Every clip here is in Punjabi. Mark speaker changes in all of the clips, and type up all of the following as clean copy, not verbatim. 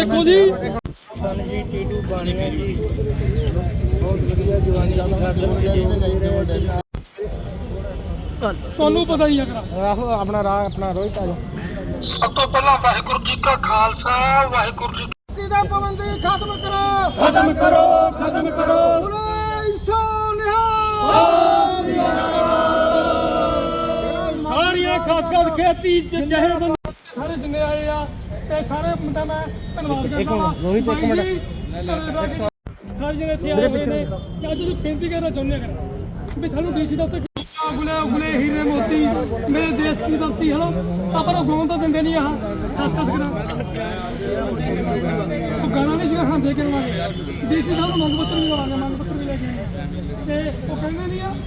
Speaker 1: देखो जी
Speaker 2: जी टीटू बाणिया जी बहुत बढ़िया जवानी की खातर
Speaker 1: ਤੁਹਾਨੂੰ ਪਤਾ ਹੀ ਆ ਕਰਾ
Speaker 2: राहो अपना राह अपना रोहित आ
Speaker 1: ਸਭ ਤੋਂ ਪਹਿਲਾਂ ਵਾਹਿਗੁਰੂ ਜੀ ਕਾ ਖਾਲਸਾ ਵਾਹਿਗੁਰੂ ਜੀ
Speaker 2: जाओ दा पाबंदी खत्म करो
Speaker 1: ਖਤਮ ਕਰੋ ਸਾਰੀਆਂ ਖਾਸ ਖੇਤੀ ਜ਼ਹਿਰ ਬੰਦ ਸਾਰੇ ਜਿੰਨੇ ਆਏ ਆ ਤੇ ਸਾਰੇ ਮੁੰਡਾ ਮੈਂ ਧੰਨਵਾਦ ਕਰਦਾ ਹਾਂ
Speaker 2: ਰੋਹਿਤ, ਇੱਕ ਮਿੰਟ।
Speaker 1: ਸਾਰੇ ਜਿਹੜੇ ਇੱਥੇ ਆਏ ਹੋਏ ਨੇ ਕਿ ਅੱਜ ਤੁਸੀਂ ਬੇਨਤੀ ਕਰਨਾ ਚਾਹੁੰਦੇ ਆ ਵੀ ਸਾਨੂੰ ਡੀਸੀ ਦਾ ਉੱਤੇ ਗੁਲੇ ਹੀਰੇ ਮੋਤੀ ਮੇਰੇ ਦੇਸ਼ ਦੀ ਧਰਤੀ ਹੈ ਨਾ ਪਰ ਉਹ ਗਾਉਂ ਤਾਂ ਦਿੰਦੇ ਨਹੀਂ ਆਹ ਖਸ ਕਰਾਂ ਉਹ ਗਾਣਾ ਨਹੀਂ ਸੀਗਾ ਹਾਂ ਦੇ ਕੇ ਆਵਾਂਗੇ ਡੀਸੀ ਸਾਹਿਬ ਨੂੰ ਮੰਗ ਪੱਤਰ ਵੀ ਲਵਾਂਗੇ ਮੰਗ ਪੱਤਰ ਵੀ ਲੈ ਕੇ ਆਏ ਤੇ ਉਹ ਕਹਿੰਦੇ ਨਹੀਂ ਆ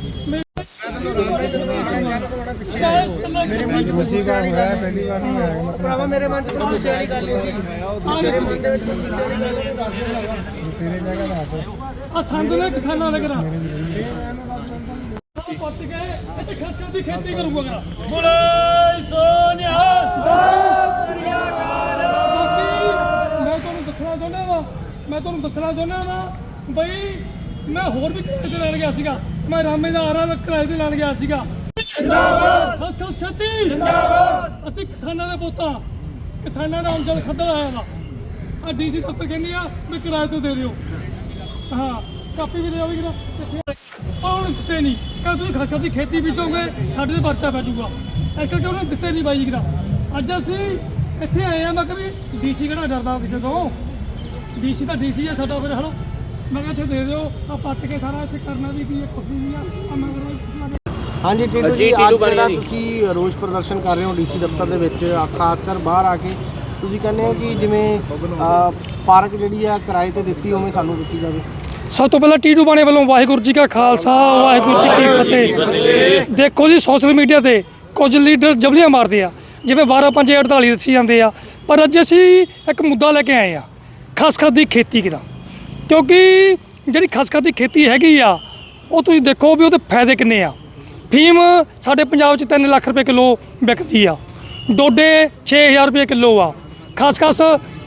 Speaker 2: मेरे मन च गुस्से का होया पहली बार नहीं आया भरावा मेरे मन च गुस्से वाली गल नहीं सी तेरे मन दे विच गुस्से वाली गल नहीं दस तेरे जगह दस
Speaker 1: ਆ ਸੰਦ ਨੇ ਕਿਸਾਨਾਂ ਦਾ ਕਰਾ ਪੱਟ ਗਏ ਇੱਥੇ ਖਸਕਾਂ ਦੀ ਖੇਤੀ ਕਰੂਗਾ ਕਰਾ ਬੋਲੇ ਸੋਨਿਹਾਲ ਮੈਂ ਤੁਹਾਨੂੰ ਦੱਸਣਾ ਚਾਹੁੰਦਾ ਵਾ ਬਈ ਮੈਂ ਹੋਰ ਵੀ ਕਿਰਾਏ ਤੇ ਲੈਣ ਗਿਆ ਸੀਗਾ ਮੈਂ ਰਾਮੇ ਦਾ ਆਰਾ ਕਿਰਾਏ ਤੇ ਲੈਣ ਗਿਆ ਸੀਗਾ ਜਿੰਦਾਬਾਦ ਖਸ ਖੇਤੀ ਜਿੰਦਾਬਾਦ ਅਸੀਂ ਕਿਸਾਨਾਂ ਦੇ ਪੁੱਤਾਂ ਕਿਸਾਨਾਂ ਦਾ ਅੰਜਲ ਖੱਦਰ ਆਇਆ ਵਾ ਆ ਡੀਸੀ ਦਫ਼ਤਰ ਕਹਿੰਦੀ ਆ ਵੀ ਕਿਰਾਏ ਤੇ ਦੇ ਦਿਓ ਹਾਂ ਕਾਪੀ ਵੀ ਦੇ ਆਵੀ ਕਿਰਾ ਉਹਨੇ ਦਿੱਤੇ ਨਹੀਂ ਕਹਿੰਦੇ ਤੁਸੀਂ ਖਸਖਸ ਦੀ ਖੇਤੀ ਬੀਜੋਗੇ ਸਾਡੇ ਤੇ ਪਰਚਾ ਪੈ ਜਾਊਗਾ ਇਸ ਕਰਕੇ ਉਹਨੇ ਦਿੱਤੇ ਨਹੀਂ ਬਾਈ ਕਿਰਾ ਅੱਜ ਅਸੀਂ ਇੱਥੇ ਆਏ ਆ ਮੈਂ ਕਿਹਾ ਵੀ ਡੀਸੀ ਕਿਹੜਾ ਡਰਦਾ ਕਿਸੇ ਤੋਂ ਡੀਸੀ ਤਾਂ ਡੀਸੀ ਆ ਸਾਡਾ ਫਿਰ ਹਲੋ ਮੈਂ ਕਿਹਾ ਇੱਥੇ ਦੇ ਦਿਓ ਆ ਪੱਟ ਕੇ ਸਾਰਾ ਇੱਥੇ ਕਰਨਾ ਵੀ ਕੀ ਕੁਛ ਨਹੀਂ ਆ ਮੈਂ
Speaker 2: हाँ जी टीटू जी ਅੱਜ ਜਿਹੜਾ ਤੁਸੀਂ ਰੋਸ ਪ੍ਰਦਰਸ਼ਨ ਕਰ ਰਹੇ ਹੋ ਡੀਸੀ ਦਫ਼ਤਰ ਦੇ ਵਿੱਚ ਖਾਸ ਕਰ ਬਾਹਰ ਆ ਕੇ ਤੁਸੀਂ ਕਹਿੰਦੇ ਹੋ ਕਿ ਜਿਵੇਂ ਪਾਰਕ ਜਿਹੜੀ ਆ ਕਿਰਾਏ ਤੇ ਦਿੱਤੀ ਉਵੇਂ ਸਾਨੂੰ ਦਿੱਤੀ ਜਾਵੇ
Speaker 1: ਸਭ ਤੋਂ ਪਹਿਲਾਂ ਟੀਟੂ ਬਾਣੇ ਵੱਲੋਂ ਵਾਹਿਗੁਰੂ ਜੀ ਕਾ ਖਾਲਸਾ ਵਾਹਿਗੁਰੂ ਜੀ ਕੀ ਫਤਿਹ ਦੇਖੋ ਜੀ ਸੋਸ਼ਲ ਮੀਡੀਆ ਤੇ ਕੁਝ ਲੀਡਰ ਜਬਲੀਆਂ ਮਾਰਦੇ ਆ ਜਿਵੇਂ 12/5/48 ਦੱਸੀ ਜਾਂਦੇ ਆ ਪਰ ਅੱਜ ਅਸੀਂ ਇੱਕ ਮੁੱਦਾ ਲੈ ਕੇ ਆਏ ਆ ਖਸਖਸ ਦੀ ਖੇਤੀ ਦਾ ਕਿਉਂਕਿ ਜਿਹੜੀ ਖਸਖਸ ਦੀ ਖੇਤੀ ਹੈਗੀ ਆ ਉਹ ਤੁਸੀਂ ਦੇਖੋ ਵੀ ਉਹਦੇ ਫਾਇਦੇ ਕਿੰਨੇ ਆ ਫੀਮ ਸਾਡੇ ਪੰਜਾਬ 'ਚ 3 ਲੱਖ ਰੁਪਏ ਕਿਲੋ ਵਿਕਦੀ ਆ ਡੋਡੇ 6000 ਰੁਪਏ ਕਿਲੋ ਆ ਖਸਖਸ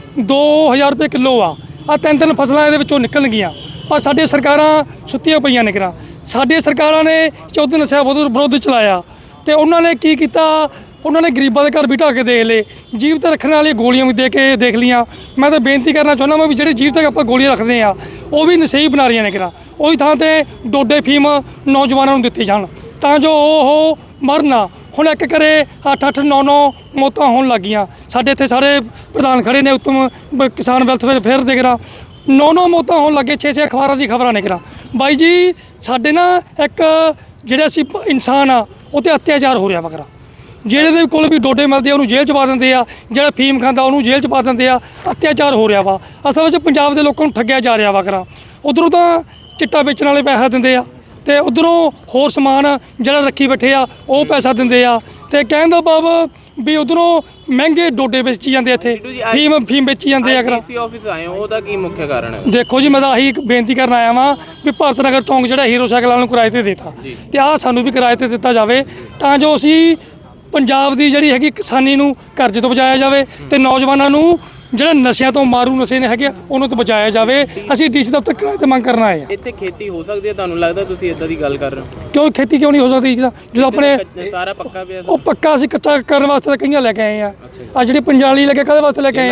Speaker 1: 2000 ਰੁਪਏ ਕਿਲੋ ਆ ਤਿੰਨ ਫਸਲਾਂ ਇਹਦੇ ਵਿੱਚੋਂ ਨਿਕਲਣਗੀਆਂ ਪਰ ਸਾਡੇ ਸਰਕਾਰਾਂ ਸੁੱਤੀਆਂ ਪਈਆਂ ਨੇ ਕਿਰਾ ਸਾਡੇ ਸਰਕਾਰਾਂ ਨੇ ਚੌਧਰੀ ਨਸ਼ਾ ਵਿਰੋਧ ਚਲਾਇਆ ਤੇ ਉਹਨਾਂ ਨੇ ਕੀ ਕੀਤਾ ਉਹਨਾਂ ਨੇ ਗਰੀਬਾਂ ਦੇ ਘਰ ਵੀ ਢਾਹ ਕੇ ਦੇਖ ਲਏ ਜੀਵਤ ਰੱਖਣ ਵਾਲੀ ਗੋਲੀਆਂ ਵੀ ਦੇ ਕੇ ਦੇਖ ਲੀਆਂ ਮੈਂ ਤਾਂ ਬੇਨਤੀ ਕਰਨਾ ਚਾਹੁੰਦਾ ਮੈਂ ਵੀ ਜਿਹੜੇ ਜੀਵ ਤੱਕ ਆਪਾਂ ਗੋਲੀਆਂ ਰੱਖਦੇ ਆ ਉਹ ਵੀ ਨਸ਼ਈ ਬਣਾ ਰਹੀਆਂ ਨੇ ਕਿਰਾ ਉਹੀ ਥਾਂ ਤੇ ਡੋਡੇ ਫੀਮ ਨੌਜਵਾਨਾਂ ਨੂੰ ਦਿੱਤੀ ਜਾਣ ਤਾਂ ਜੋ ਉਹ ਮਰਨ ਹੁਣ ਇੱਕ ਕਰੇ 8-8 9-9 ਮੌਤਾਂ ਹੋਣ ਲੱਗੀਆਂ ਸਾਡੇ ਇੱਥੇ ਸਾਰੇ ਪ੍ਰਧਾਨ ਖੜੇ ਨੇ ਉੱਤਮ ਕਿਸਾਨ ਵੈਲਫੇਅਰ ਫੇਅਰ ਦੇ ਕਰਾ 9-9 ਮੌਤਾਂ ਹੋਣ ਲੱਗੇ 6-6 ਅਖਬਾਰਾਂ ਦੀ ਖਬਰਾਂ ਨੇ ਕਰਾ ਬਾਈ ਜੀ ਸਾਡੇ ਨਾ ਇੱਕ ਜਿਹੜੇ ਅਸੀਂ ਇਨਸਾਨ ਆ ਉਹ 'ਤੇ ਅਤਿਆਚਾਰ ਹੋ ਰਿਹਾ ਵਗਰਾ ਜਿਹੜੇ ਦੇ ਕੋਲ ਵੀ ਡੋਡੇ ਮਿਲਦੇ ਆ ਉਹਨੂੰ ਜੇਲ੍ਹ 'ਚ ਪਾ ਦਿੰਦੇ ਆ ਜਿਹੜਾ ਫੀਮ ਖਾਂਦਾ ਉਹਨੂੰ ਜੇਲ੍ਹ 'ਚ ਪਾ ਦਿੰਦੇ ਆ ਅਤਿਆਚਾਰ ਹੋ ਰਿਹਾ ਵਾ ਅਸਲ ਵਿੱਚ ਪੰਜਾਬ ਦੇ ਲੋਕਾਂ ਨੂੰ ਠੱਗਿਆ ਜਾ ਰਿਹਾ ਵਗਰਾ ਉੱਧਰੋਂ ਤਾਂ ਚਿੱਟਾ ਵੇਚਣ ਵਾਲੇ ਪੈਸਾ ਦਿੰਦੇ ਆ ਤੇ ਉਧਰੋਂ ਹੋਰ ਸਮਾਨ ਜਿਹੜਾ ਰੱਖੀ ਬੈਠੇ ਆ ਉਹ ਪੈਸਾ ਦਿੰਦੇ ਆ ਤੇ ਕਹਿਣ ਦਾ ਭਾਵ ਵੀ ਉਧਰੋਂ ਮਹਿੰਗੇ ਡੋਡੇ ਵੇਚੀ ਜਾਂਦੇ ਇੱਥੇ ਫੀਮ ਵੇਚੀ ਜਾਂਦੇ ਆ
Speaker 3: ਡੀਸੀ ਆਫਿਸ ਆਏ ਹੋ ਉਹਦਾ ਕੀ ਮੁੱਖ ਕਾਰਨ ਹੈ
Speaker 1: ਦੇਖੋ ਜੀ ਮੈਂ ਤਾਂ ਆਹੀ ਬੇਨਤੀ ਕਰਨ ਆਇਆ ਵਾਂ ਵੀ ਭਾਰਤ ਨਗਰ ਚੌਂਕ ਜਿਹੜਾ ਹੀਰੋ ਸਾਈਕਲ ਵਾਲਿਆਂ ਨੂੰ ਕਿਰਾਏ ਤੇ ਦਿੱਤਾ ਤੇ ਆਹ ਸਾਨੂੰ ਵੀ ਕਿਰਾਏ ਤੇ ਦਿੱਤਾ ਜਾਵੇ ਤਾਂ ਜੋ ਅਸੀਂ ਪੰਜਾਬ ਦੀ ਜਿਹੜੀ ਹੈਗੀ ਕਿਸਾਨੀ ਨੂੰ ਕਰਜ਼ੇ ਤੋਂ ਬਚਾਇਆ ਜਾਵੇ ਤੇ ਨੌਜਵਾਨਾਂ ਨੂੰ ਜਿਹੜੇ ਨਸ਼ਿਆਂ ਤੋਂ ਮਾਰੂ ਨਸ਼ੇ ਨੇ ਹੈਗੇ ਉਹਨਾਂ ਤੋਂ ਬਚਾਇਆ ਜਾਵੇ ਅਸੀਂ ਡੀਸੀ ਦਫ਼ਤਰ ਕਿਰਾਏ ਤੇ ਮੰਗ ਕਰਨ ਆਏ ਆ
Speaker 3: ਇੱਥੇ ਖੇਤੀ ਹੋ ਸਕਦੀ ਹੈ ਤੁਹਾਨੂੰ ਲੱਗਦਾ ਤੁਸੀਂ ਇਦਾਂ ਦੀ ਗੱਲ ਕਰ ਰਹੇ ਹੋ
Speaker 1: ਕਿਉਂ ਖੇਤੀ ਕਿਉਂ ਨਹੀਂ ਹੋ ਸਕਦੀ ਜਦੋਂ ਆਪਣੇ
Speaker 3: ਸਾਰਾ ਪੱਕਾ ਪਿਆ
Speaker 1: ਉਹ ਪੱਕਾ ਅਸੀਂ ਕੱਚਾ ਕਰਨ ਵਾਸਤੇ ਤਾਂ ਕਈਆਂ ਲੈ ਕੇ ਆਏ ਆ ਆ ਜਿਹੜੀ ਪੰਜਾਲੀ ਲੈ ਕੇ ਕਾਹਦੇ ਵਾਸਤੇ ਲੈ ਕੇ ਆਏ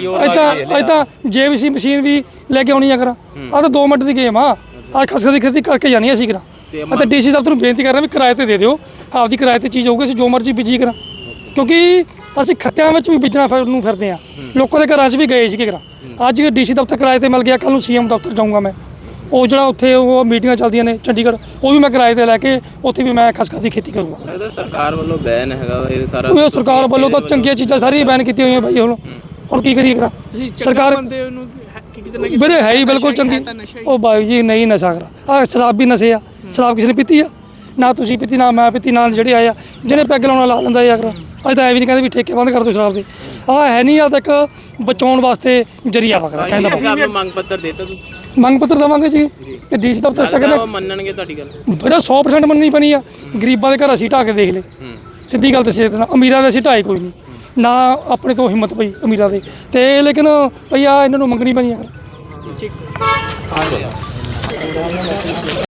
Speaker 1: ਆ ਇਹ ਤਾਂ ਜੇਬੀਸੀ ਮਸ਼ੀਨ ਵੀ ਲੈ ਕੇ ਆਉਣੀ ਆ ਕਰਾਂ ਆ ਤਾਂ 2 ਮਿੰਟ ਦੀ ਗੇਮ ਆ ਖਸਖਸ ਦੀ ਖੇਤੀ ਕਰਕੇ ਜਾਣੀ ਅਸੀਂ ਕਰਾਂ ਅਤੇ ਡੀਸੀ ਦਫ਼ਤਰ ਨੂੰ ਬੇਨਤੀ ਕਰ ਰਿਹਾ ਵੀ ਕਿਰਾਏ ਤੇ ਦੇ ਦਿਓ ਆਪਦੀ ਕਿਰਾਏ ਤੇ ਚੀਜ਼ ਹੋਊਗੀ ਅਸੀਂ ਜੋ ਮਰਜ਼ੀ ਬੀਜੀ ਕਰਾਂ ਕਿਉਂਕਿ ਅਸੀਂ ਖੱਤਿਆਂ ਵਿੱਚ ਵੀ ਬੀਜਣਾ ਨੂੰ ਫਿਰਦੇ ਆ ਲੋਕਾਂ ਦੇ ਘਰਾਂ 'ਚ ਵੀ ਗਏ ਸੀਗੇ ਕਰਾਂ ਅੱਜ ਡੀਸੀ ਦਫ਼ਤਰ ਕਿਰਾਏ ਤੇ ਮਿਲ ਗਿਆ ਕੱਲ੍ਹ ਨੂੰ ਸੀਐਮ ਦਫ਼ਤਰ ਜਾਊਂਗਾ ਮੈਂ ਉਹ ਜਿਹੜਾ ਉੱਥੇ ਉਹ ਮੀਟਿੰਗਾਂ ਚੱਲਦੀਆਂ ਨੇ ਚੰਡੀਗੜ੍ਹ ਉਹ ਵੀ ਮੈਂ ਕਿਰਾਏ ਤੇ ਲੈ ਕੇ ਉੱਥੇ ਵੀ ਮੈਂ ਖਸਖਸ ਦੀ ਖੇਤੀ ਕਰੂੰਗਾ
Speaker 3: ਸਰਕਾਰ ਵੱਲੋਂ ਬੈਨ ਹੈਗਾ ਇਹ ਸਾਰਾ
Speaker 1: ਉਹ ਸਰਕਾਰ ਵੱਲੋਂ ਤਾਂ ਚੰਗੀਆਂ ਚੀਜ਼ਾਂ ਸਾਰੀਆਂ ਬੈਨ ਕੀਤੀਆਂ ਹੋਈਆਂ ਬਾਈ ਹੁਣ ਕੀ ਕਰੀਏ ਕਰਾਂ ਸਰਕਾਰ ਵੀਰੇ ਹੈ ਹੀ ਬਿਲਕੁਲ ਚੰਗੀ ਉਹ ਬਾਈ ਜੀ ਨਹੀਂ ਨਸ਼ਾ ਕਰਾ ਆ ਸ਼ਰਾਬ ਵੀ ਨਸ਼ੇ ਆ ਸ਼ਰਾਬ ਕਿਸੇ ਨੇ ਪੀਤੀ ਆ ਨਾ ਤੁਸੀਂ ਪੀਤੀ ਨਾ ਮੈਂ ਪੀਤੀ ਨਾਲ ਜਿਹੜੇ ਆਏ ਆ ਜਿਹਨੇ ਪੈਗ ਲਾਉਣਾ ਲਾ ਲੈਂਦਾ ਯਾਰ ਅੱਜ ਤਾਂ ਐ ਵੀ ਨਹੀਂ ਕਹਿੰਦੇ ਵੀ ਠੇਕੇ ਬੰਦ ਕਰ ਦਿਓ ਸ਼ਰਾਬ ਦੇ ਆਹ ਹੈ ਨਹੀਂ ਆ ਤੱਕ ਬਚਾਉਣ ਵਾਸਤੇ ਜਰੀਆ ਵਗਰਾ ਕਹਿੰਦਾ
Speaker 3: ਮੰਗ ਪੱਤਰ ਦੇਤਾ ਤੂੰ
Speaker 1: ਮੰਗ ਪੱਤਰ ਦੇਵਾਂਗੇ ਜੀ ਤੇ ਡੀਸੀ ਦਫ਼ਤਰ ਤੱਕ
Speaker 3: ਉਹ ਮੰਨਣਗੇ ਤੁਹਾਡੀ ਗੱਲ
Speaker 1: ਬੜਾ 100% ਮੰਨਣੀ ਪੈਣੀ ਆ ਗਰੀਬਾਂ ਦੇ ਘਰ ਅਸੀਂ ਢਾਹ ਕੇ ਦੇਖ ਲਏ ਸਿੱਧੀ ਗੱਲ ਦੱਸੇ ਅਮੀਰਾਂ ਦੇ ਅਸੀਂ ਢਾਏ ਕੋਈ ਨਹੀਂ ਨਾ ਆਪਣੇ ਤੋਂ ਹਿੰਮਤ ਪਈ ਅਮੀਰਾਂ ਦੇ ਤੇ ਲੇਕਿਨ ਭਈ ਆ ਇਹਨਾਂ ਨੂੰ ਮੰਗਣੀ ਪੈਣੀ ਆ।